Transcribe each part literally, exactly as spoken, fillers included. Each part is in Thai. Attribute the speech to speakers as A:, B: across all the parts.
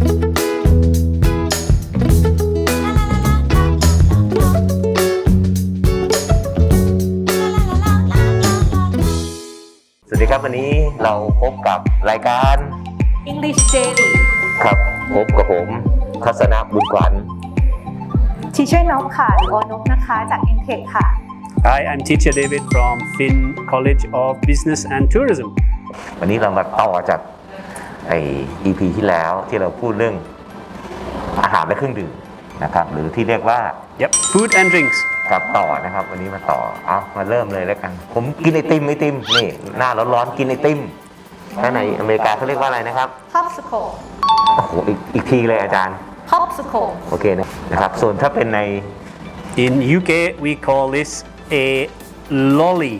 A: สวัสดีครับวันนี้เราพบกับรายการ
B: English Daily
A: ครับพบกับผมทัศนะบุญขวัญ
B: Teacher นกค่ะหรือโอนกนะคะจาก Intech ค่ะ
C: Hi, I'm Teacher David from Finn College of Business and Tourism.
A: วันนี้เรามาต่อจากไอ อี พี ที่แล้วที่เราพูดเรื่องอาหารและเครื่องดื่มนะครับหรือที่เรียกว่า
C: Yep, food and drinks.
A: กับต่อนะครับวันนี้มาต่อเอามาเริ่มเลยแล้วกันผมกินไอติมไอติมนี่หน้าร้อนๆกินไอติมถ้าในอเมริกาเขาเรียกว่าอะไรนะครับ
B: Popsicle
A: โอ้โหอีกอีกทีเลยอาจารย์
B: Popsicle
A: โอเคนะนะครับส่วนถ้าเป็นใน
C: In U K, we call this a lolly.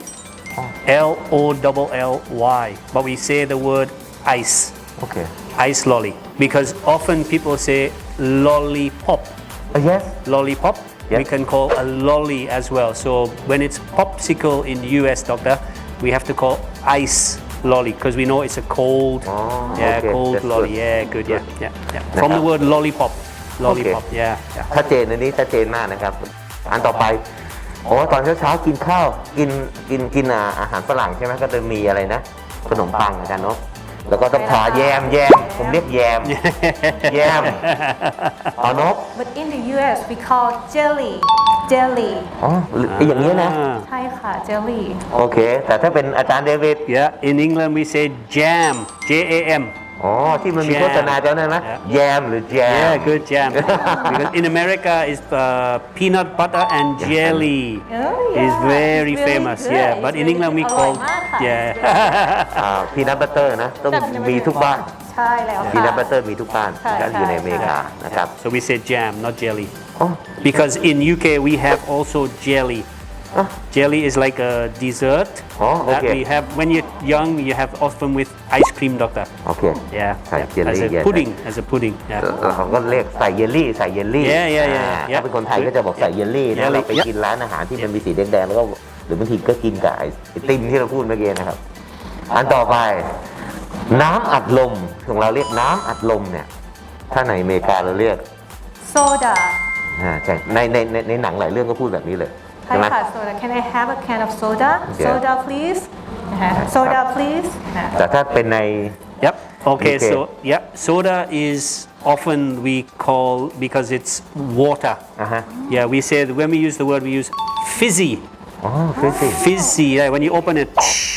C: L O L L Y. But we say the word ice.
A: โอเค
C: Ice lolly. Because often people say lollipop.
A: yes
C: Lollipop.
A: Yep.
C: We can call a lolly as well. So when it's popsicle in U S, doctor, we have to call ice lolly because we know it's a cold,
A: Oh,
C: yeah,
A: okay,
C: cold
A: that's
C: lolly.
A: good.
C: Yeah, good,
A: Good.
C: yeah, yeah, yeah. From the word lollipop, lollipop. Yeah, yeah.
A: ชัดเจนอันนี้ชัดเจนมากนะครับอันต่อไปโอ้ตอนเช้าๆกินข้าวกินกินกินอาอาหารฝรั่งใช่ไหมก็จะมีอะไรนะขนมปังอาจารย์เนาะแล้วก็ต้องทาแยมแยมผมเรียกแยมแยมอ๋อนก
B: But in the U S we call jelly jelly
A: อ๋ออย่างนี้นะ
C: Ah.
B: ใช่ค่ะ jelly
A: โอเคแต่ถ้าเป็นอาจารย์เดวิด
C: Yeah, in England we say jam, J A M.
A: อ๋อที่มันมีโฆษณาเจ้านั้นนะแยมหรือแยม
C: Yeah, good jam. Because in America is uh, peanut butter and jelly
B: Oh, yeah.
C: is very
B: It's really
C: famous.
B: good.
C: Yeah,
B: It's
C: but in
B: really
C: England we
B: อร่อย
C: call
B: มากค่ะ
C: yeah.
A: อ่าพีนัทบัตเตอร์นะต้องมีทุกบ้าน
B: ใช่แล้ว
A: พี
B: ค่ะ
A: นัทบัตเตอร์มีทุกบ้าน
B: ใช่
A: ก็อยู่ใน
B: ใช่
A: อเมริกานะครับ
C: So we say jam, not jelly.
A: อ๋อ
C: Because in U K we have also jelly.
A: Ah.
C: Jelly is like a dessert
A: Oh,
C: that
A: okay.
C: we have when you're young. You have often with ice cream, doctor.
A: โอเค
C: Yeah,
A: ใส่
C: yeah.
A: เจล
C: as
A: ลี่
C: a pudding, as a pudding. Yeah.
A: เราก็เรียกใส่เยลลี่ใส่เยลลี่
C: Yeah, yeah, yeah,
A: อ่า
C: yeah.
A: ถ้าเป็นคนไทยก็จะบอกใส่เยลลี่นะ
C: Jelly,
A: เราไป
C: yeah.
A: กินร้านอาหารที่มันมีสีแดงๆแล้วก็หรือบางทีก็กินกับไอติมที่เราพูดเมื่อกี้นะครับ อันต่อไป น้ำอัดลมของเราเรียกน้ำอัดลมเนี่ยถ้าในอเมริกาเราเรียก
B: soda
A: อ่าใช่ในในในในหนังหลายเรื่องก็พูดแบบนี้เลย
B: ใช่
A: ใช่ไหม
B: ค่ะ soda Can I have a can of soda
A: Yeah.
B: soda please นะคะ soda please นะ
A: แต่ถ้าเป็นใน
C: Yep. Okay.
A: Okay.
C: So yeah, soda is often we call because it's water.
A: อ่าฮะ
C: Yeah, we say that when we use the word we use fizzy.
A: อ๋อฟิสิ
C: Fizzy. Like when you open it,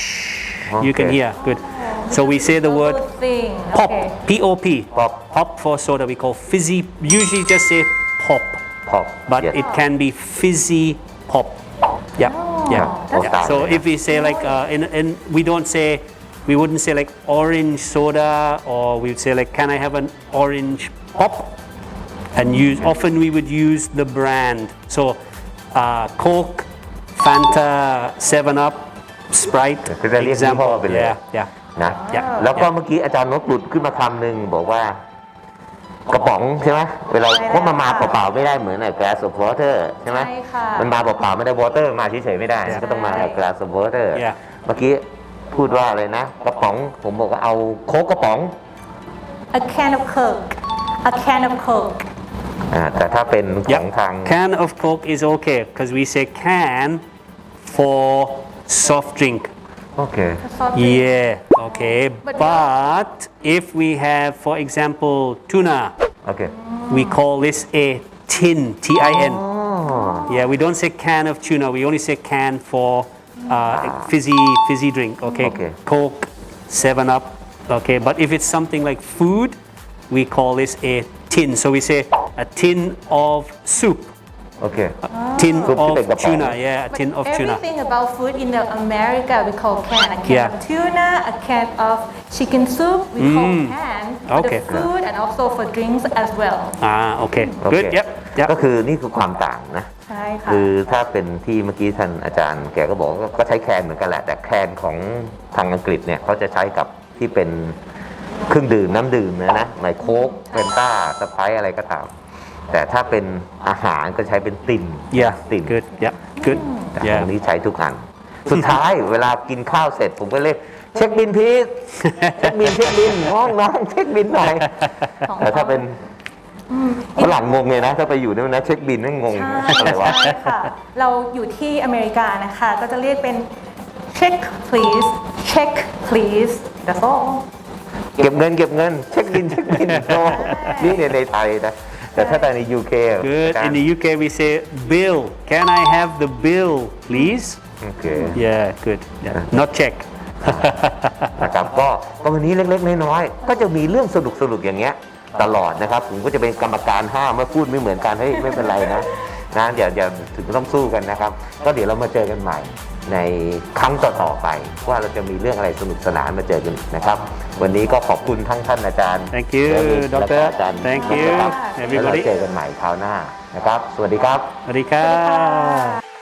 C: you can
A: Okay.
C: hear. Good. So we say the word
B: Good thing
C: pop.
B: okay
C: P O P.
A: Pop.
C: Pop for soda. We call fizzy. Usually just say pop,
A: พอ
C: but it can be fizzy pop. Yeah. Yeah.
A: that's
C: yeah. So
A: good.
C: if we say like, uh, in, in, we don't say, we wouldn't say like orange soda, or we'd say like, can I have an orange pop? And use, often we would use the brand. So uh, Coke, Fanta, seven up, Sprite,
A: คือจะเรียกยี่ห้อ
C: example.
A: ไปเลย
C: Yeah, yeah.
A: นะ
C: Yeah.
A: แล้วก็เมื่อกี้อาจารย์นกหลุดขึ้นมาคำหนึ่งบอกว่ากระป๋องใช่ไหมเวลา
B: ใช่แล้ว
A: เพราะมันมาเปล่าๆไม่ได้เหมือนไอ้ glass of water ใช่ไหม
B: ใช่ค่ะ
A: มันมาเปล่าๆไม่ได้ water มาเฉยๆไม่ได้
C: ใช่
A: ก็ต้องมากับ glass of water
C: Yeah.
A: เมื่อกี้พูดว่าอะไรนะ กระป๋องผมบอกว่าเอาโค้กกระป๋อง
B: a can of coke a can of coke
A: อ่าแต่ถ้าเป็นของ
C: Yeah.
A: ทาง
C: Can of Coke is okay because we say can for soft drink.
A: โอเค
C: Yeah, okay. But if we have, for example, tuna,
A: โอเค
C: we call this a tin, T I N.
A: อ๋อ
C: Yeah, we don't say can of tuna. We only say can for uh, fizzy, fizzy drink. Okay?
A: Okay.
C: Coke, Seven Up. Okay, but if it's something like food, we call this a tin. So we say a tin of soup,
A: โอเค
C: a tin
A: Soup
C: of
A: ที่เป็นกระป๋อง
C: tuna. Yeah, a tin of tuna.
B: Everything about food in the America we call can. A can
C: Yeah.
B: of tuna, a can of chicken soup we call can for
C: Okay.
B: the food and also for drinks as well.
C: Ah, okay.
A: โอเค
C: Good. Yep.
A: ก็
C: Yep.
A: คือนี่คือความต่างนะ
B: ใช่ค่ะ
A: คือถ้าเป็นที่เมื่อกี้ท่านอาจารย์แกก็บอกว่าก็ใช้แคนเหมือนกันแหละ แต่แคนของทางอังกฤษเนี่ยเขาจะใช้กับที่เป็นเครื่องดื่มน้ำดื่มนะนะในโค้กเฟนต้าสไปร์อะไรก็ตาม แต่ถ้าเป็นอาหารก็ใช้เป็นติ่น
C: Yeah.
A: ติ่น
C: Good. Yep. Good.
A: แต่
C: Yeah.
A: ตรงนี้ใช้ทุกอัน สุดท้าย เวลากินข้าวเสร็จผมก็เรียกเช็คบินพีทเช็คบินเช็คบินน้องน้องเช็คบินหน่อย
B: ของ
A: แต่ถ้าเป็น
B: อืม
A: ฝรั่งงงเลยนะ ถ้าไปอยู่นู่นนะเช็คบินนั่งงง
B: ใช่
A: อะไรวะ
B: ใช่ค่ะ เราอยู่ที่อเมริกานะคะ ก็จะเรียกเป็น check please check please that's all
A: เก็บเงินเก็บเงินเช็คบินเช็คบินโอ้นี่ในในไทยนะ แต่ถ้าใน ยู เค
C: Good. In the U K, we say bill. Can I have the bill, please?
A: โอเค
C: Yeah, good. Yeah. Not check.
A: นะครับก็ก็วันนี้เล็กๆน้อยๆก็จะมีเรื่องสนุกๆอย่างเงี้ยตลอดนะครับผมก็จะเป็นกรรมการห้ามเมื่อพูดไม่เหมือนกันเฮ้ยไม่เป็นไรนะนะอย่าอย่าถึงต้องสู้กันนะครับ ก็เดี๋ยวเรามาเจอกันใหม่ในครั้งต่อๆไป ว่าเราจะมีเรื่องอะไรสนุกสนานมาเจอกันอีกนะครับ วันนี้ก็ขอบคุณทั้งท่านอาจารย์
C: Thank you,
A: และก็
C: Doctor.
A: อาจารย์
C: Thank
A: นะครับ
C: you,
A: แล้วเรา
C: everybody.
A: เจอกันใหม่คราวหน้านะครับ สวัสดีครับ
C: Marika.